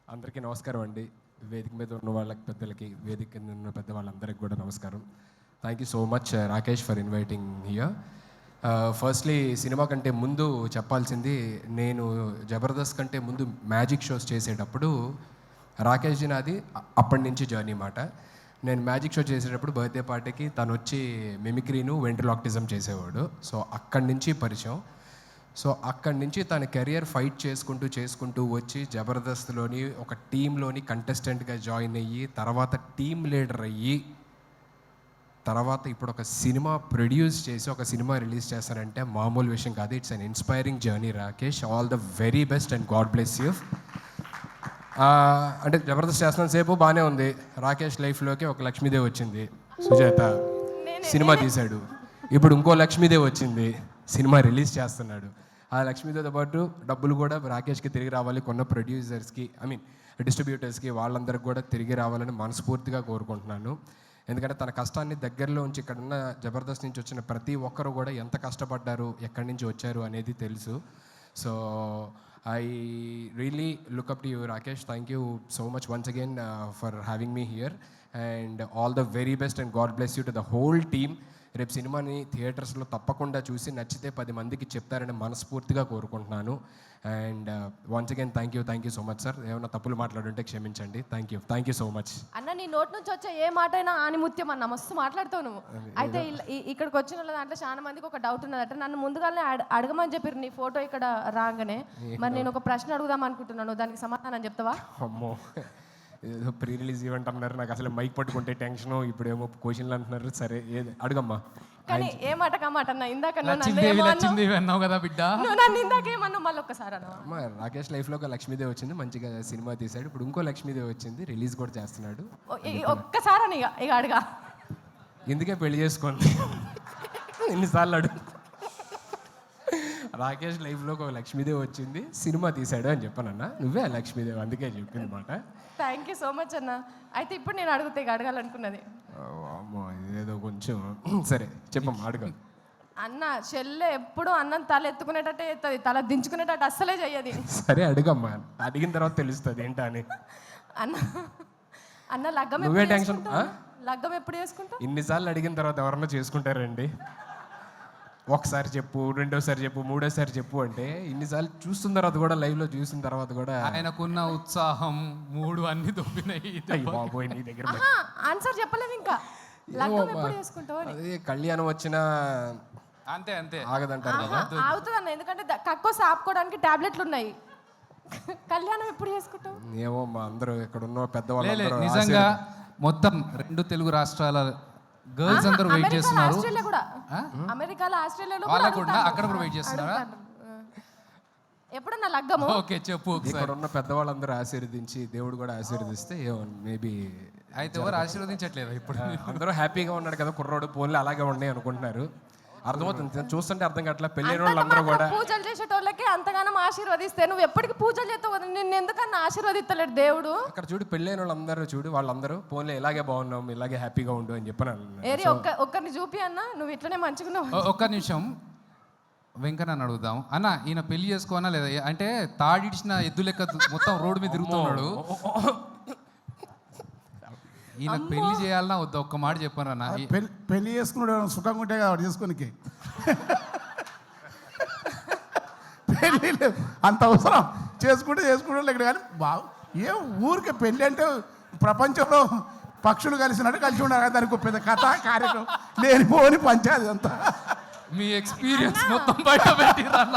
అందరికీ నమస్కారం అండి. వేదిక మీద ఉన్న వాళ్ళకి పెద్దలకి, వేదిక కింద ఉన్న పెద్ద వాళ్ళందరికీ కూడా నమస్కారం. Thank you so much Rakesh for inviting here. Firstly cinema కంటే ముందు చెప్పాల్సింది, నేను జబర్దస్త్ కంటే ముందు మ్యాజిక్ షోస్ చేసేటప్పుడు రాకేష్ నాది అప్పటి నుంచి జర్నీ మాట. నేను మ్యాజిక్ షో చేసేటప్పుడు బర్త్డే పార్టీకి తను వచ్చి మిమిక్రీను వెంట్రలాక్టిజం చేసేవాడు. సో అక్కడి నుంచి పరిచయం. సో అక్కడి నుంచి తన కెరియర్ ఫైట్ చేసుకుంటూ వచ్చి జబర్దస్త్లోని ఒక టీంలోని కంటెస్టెంట్గా జాయిన్ అయ్యి, తర్వాత టీమ్ లీడర్ అయ్యి, తర్వాత ఇప్పుడు ఒక సినిమా ప్రొడ్యూస్ చేసి ఒక సినిమా రిలీజ్ చేస్తారంటే మామూలు విషయం కాదు. It's an inspiring journey Rakesh. All the very best and god bless you. అంటే జబర్దస్త్ చేస్తున్న సేపు బాగానే ఉంది. రాకేష్ లైఫ్లోకి ఒక లక్ష్మీదేవి వచ్చింది, సుజాత సినిమా తీశాడు. ఇప్పుడు ఇంకో లక్ష్మీదేవి వచ్చింది, సినిమా రిలీజ్ చేస్తున్నాడు. ఆ లక్ష్మీదేవితో పాటు డబ్బులు కూడా రాకేష్కి తిరిగి రావాలి, కొన్న ప్రొడ్యూసర్స్కి, డిస్ట్రిబ్యూటర్స్కి, వాళ్ళందరికీ కూడా తిరిగి రావాలని మనస్ఫూర్తిగా కోరుకుంటున్నాను. ఎందుకంటే తన కష్టాన్ని దగ్గరలో ఉంచి ఇక్కడున్న జబర్దస్త్ నుంచి వచ్చిన ప్రతి ఒక్కరు కూడా ఎంత కష్టపడ్డారు, ఎక్కడి నుంచి వచ్చారు అనేది తెలుసు. So I really look up to you, Rakesh. Thank you so much once again for having me here, and all the very best and God bless you to the whole team. రేపు సినిమాని థియేటర్స్లో తప్పకుండా చూసి నచ్చితే 10 మందికి చెప్తారని మనస్ఫూర్తిగా కోరుకుంటున్నాను. And once again thank you so much sir. ఏమైనా తప్పులు మాట్లాడుంటే క్షమించండి. థ్యాంక్ యూ సో మచ్ అన్న. నీ నోటి నుంచి వచ్చే ఏ మాట అయినా ఆనిముత్యం అన్న, మస్తు మాట్లాడుతావు నువ్వు. అయితే ఇక్కడికి వచ్చిన వాళ్ళ దాంట్లో చాలా మందికి ఒక డౌట్ ఉన్నదట. నన్ను ముందుగానే అడగమని చెప్పారు నీ ఫోటో ఇక్కడ రాగానే. మరి నేను ఒక ప్రశ్న అడుగుదాం అనుకుంటున్నాను, దానికి సమాధానం చెప్తావా? అమ్మో, ఏదో ప్రీ రిలీజ్ ఈవెంట్ అన్నారు, నాకు అసలు మైక్ పట్టుకుంటే టెన్షను, ఇప్పుడేమో క్వశ్చన్లు అంటున్నారు. సరే అడుగమ్మా. కానీ ఏ మాట కమాట అన్న, ఇందాక అన్నావు కదా బిడ్డ, నన్ను ఇందాక ఏమన్నా మళ్ళీ ఒక్కసారి అన్న. రాకేష్ లైఫ్లో ఒక లక్ష్మీదేవి వచ్చింది, మంచిగా సినిమా తీశాడు. ఇప్పుడు ఇంకో లక్ష్మీదేవి వచ్చింది, రిలీజ్ కూడా చేస్తున్నాడు. ఒక్కసారి అని ఇక అడగా, ఎందుకే పెళ్లి చేసుకోండి ఎన్నిసార్లు అడుగు. రాకేష్ లైఫ్లో ఒక లక్ష్మీదేవి వచ్చింది, సినిమా తీశాడు అని చెప్పానన్నా. నువ్వే ఆ లక్ష్మీదేవి, అందుకే చెప్పింది మాట. థ్యాంక్ యూ సో మచ్ అన్న. అయితే ఇప్పుడు నేను అడిగితే అడగాలనుకున్నది అమ్మో, ఇదేదో కొంచెం సరే చెప్పమ్మా, అడుగు. అన్న చెల్లె ఎప్పుడు అన్నం తల ఎత్తుకునేటట్టే ఎత్తది, తల దించుకునేటట్టు అస్సలే చెయ్యది. సరే అడుగమ్మా, అడిగిన తర్వాత తెలుస్తుంది ఏంటా అని. అన్న లగ్గం నువ్వే టెన్షన్. లగ్గం ఎప్పుడు చేసుకుంటా? ఇన్నిసార్లు అడిగిన తర్వాత ఎవరన్నా చేసుకుంటారండి? ఒకసారి చెప్పు, రెండోసారి చెప్పు, మూడోసారి చెప్పు అంటే ఇన్నిసార్లు చూస్తున్న తర్వాత కూడా, లైవ్లో చూసిన తర్వాత కూడా ఆయనకున్న ఉత్సాహం మూడు అన్ని దొబ్బినాయి. బాబోయ్, నీ దగ్గర ఆన్సర్ చెప్పలేదు ఇంకా. లగ్గం ఎప్పుడు చేసుకుంటావు? అదే కళ్యాణం వచ్చినా అంతే ఆగదంటారు కదా. ఆగుతుంది అన్న, ఎందుకంటే కక్కోసి ఆపుకోవడానికి టాబ్లెట్లు ఉన్నాయి. కళ్యాణం ఎప్పుడు చేసుకుంటావు? ఏమో మా అందరూ ఇక్కడ ఉన్న పెద్దవాళ్ళు నిజంగా మొత్తం 2 తెలుగు రాష్ట్రాల గర్ల్స్ అందరూ వెయిట్ చేస్తున్నారు. అమెరికాలో, ఆస్ట్రేలియాలో వాళ్ళకు కూడా అక్కడ కూడా వెయిట్ చేస్తున్నారా? ఎప్పుడన్నా లగ్గము? ఓకే చెప్పు. ఇక్కడ ఉన్న పెద్దవాళ్ళందరూ ఆశీర్వదించి, దేవుడు కూడా ఆశీర్వదిస్తే మేబీ. అయితే ఎవరు ఆశీర్వదించట్లేదు ఇప్పుడు? అందరూ హ్యాపీగా ఉన్నాడు కదా కుర్రోడు, పోన్లు అలాగే ఉన్నాయి అనుకుంటున్నారు. అర్థమవుతుంది, చూస్తుంటే అర్థం కావట్లా. పెళ్ళైన వాళ్ళందరూ కూడా పూజలు చేసేటోళ్ళకి అంతగానం ఆశీర్వదిస్తే నువ్వు ఎప్పటికీ పూజలు చేస్తావు, నిన్ను ఎందుకన్నా ఆశీర్వదిస్తలేడు దేవుడు? అక్కడ చూడు, పెళ్ళైన వాళ్ళందరూ చూడు, వాళ్ళందరూ పోన్లే ఇలాగే బాగున్నాం, ఇలాగే హ్యాపీగా ఉండు అని చెప్పాను. ఏరి ఒక్కరిని చూపి అన్న, నువ్వు ఇట్లనే మంచిగున్నావు. ఒక్క నిమిషం వెంకన్న అడుగుదాం. అన్న, ఈయన పెళ్లి చేసుకోనా లేదా? అంటే తాడిడిచిన ఎద్దు లెక్క మొత్తం రోడ్డు మీద తిరుగుతున్నాడు. ఈయన పెళ్లి చేయాలన్నా వద్దా? ఒక్క మాట చెప్పాను అన్న. పెళ్లి చేసుకున్నాడు సుఖంగా ఉంటే కదా చేసుకోనికి. పెళ్ళి అంత అవసరం, చేసుకుంటే ఇక్కడ. కానీ ఏ ఊరికే పెళ్ళి అంటే ప్రపంచంలో పక్షులు కలిసినట్టు కలిసి ఉండాలి. దానికి పెద్ద కథ కార్యక్రమం లేనిపోని పంచాయతీ అంతా. మీ ఎక్స్పీరియన్స్ మొత్తం బయట పెట్టిరన్న.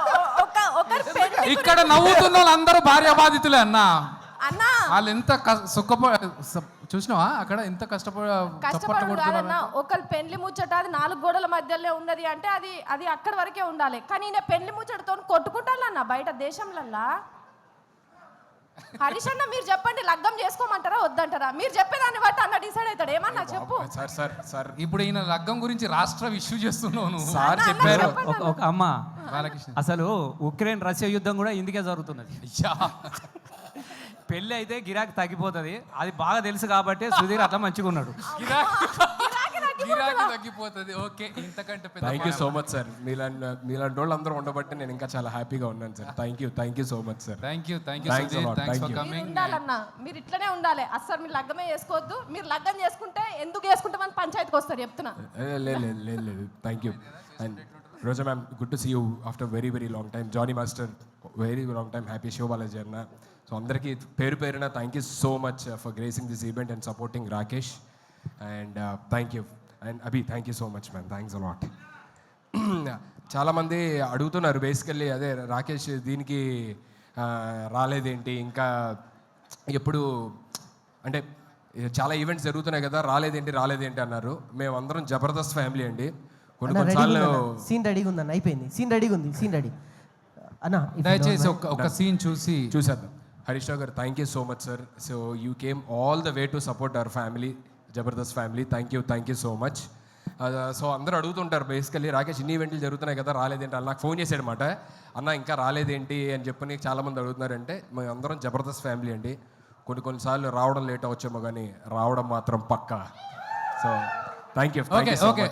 ఇక్కడ నవ్వుతున్న వాళ్ళందరూ భార్య బాధితులే అన్న. వాళ్ళు ఎంత చూసినావా అక్కడ ఎంత కష్టపడుతున్నారు. ఒకళ్ళు పెళ్లి ముచ్చట అది 4 గోడల మధ్యలో ఉన్నది అంటే అది అక్కడి వరకే ఉండాలి. కానీ నేను పెళ్లి ముచ్చటతో కొట్టుకుంటానన్న బయట దేశంలల్లా. హరీష్ అన్న, మీరు చెప్పండి, లగ్గం చేసుకోమంటారా వద్దంటారా? మీరు చెప్పేదాన్ని బట్టి అన్న డిసైడ్ అవుతాడు. ఏమన్నా చెప్పు. సార్ ఇప్పుడు ఈయన లగ్గం గురించి రాష్ట్ర ఇష్యూ చేస్తున్నాను. సార్ చెప్పారు. అమ్మ, అసలు ఉక్రెయిన్ రష్యా యుద్ధం కూడా ఇందుకే జరుగుతున్నది. పెళ్ళి అయితే గిరాకీ తగ్గిపోతుంది, అది బాగా తెలుసు కాబట్టి సుధీర్ అట్లా మంచిగా ఉన్నాడు. గిరాకీ తగ్గిపోతుంది. ఓకే, ఇంతకంటే పెద్ద thank you so much sir. మీలాంటి వాళ్ళు అందరూ ఉండబట్టి నేను ఇంకా చాలా హ్యాపీగా ఉన్నాను sir. Thank you so much sir. Thank you Thanks a Sudheer, lot. Thanks Thank for you. Coming. ఉండాలన్నా మీరు ఇట్లనే ఉండాలి. అస్సలు మీరు లగ్గమే చేసుకోవద్దు. మీరు లగ్గం చేసుకుంటే ఎందుకు చేసుకుంటామని పంచాయతీకి వస్తారు చెప్తున్నా. లేదు thank you. And Roja ma'am, good to see you after very very long time. Johnny master, very long time. Happy Sivabalaji అన్న. సో అందరికీ పేరున thank you so much for gracing this event and supporting Rakesh. And thank you. And Abhi, thank you so much ma'am. Thanks a lot. చాలామంది అడుగుతున్నారు basically, అదే రాకేష్ దీనికి రాలేదేంటి ఇంకా, ఎప్పుడు అంటే చాలా ఈవెంట్స్ జరుగుతున్నాయి కదా, రాలేదేంటి అన్నారు. మేమందరం జబర్దస్త్ ఫ్యామిలీ అండి. కొన్నిసార్లు సీన్ రెడీగా ఉందన్న, అయిపోయింది. సీన్ రెడీగా ఉంది, సీన్ రెడీ అన్న. దయచేసి ఒక సీన్ చూసి చూసేద్దాం. హరీష్ రావు గారు, thank you so much sir. So you came all the way to support our family, Jabardasth family. Thank you so much. So అందరూ అడుగుతుంటారు బేసికల్లీ, రాకేష్ ఇన్ని ఈవెంట్లు జరుగుతున్నాయి కదా, రాలేదేంటి అని. నాకు ఫోన్ చేశాడు అనమాట, అన్న ఇంకా రాలేదేంటి అని చెప్పని చాలామంది అడుగుతున్నారంటే, మేము అందరం జబర్దస్త్ ఫ్యామిలీ అండి. కొన్నిసార్లు రావడం లేట్ అవచ్చేమో కానీ రావడం మాత్రం పక్కా. So thank you. ఓకే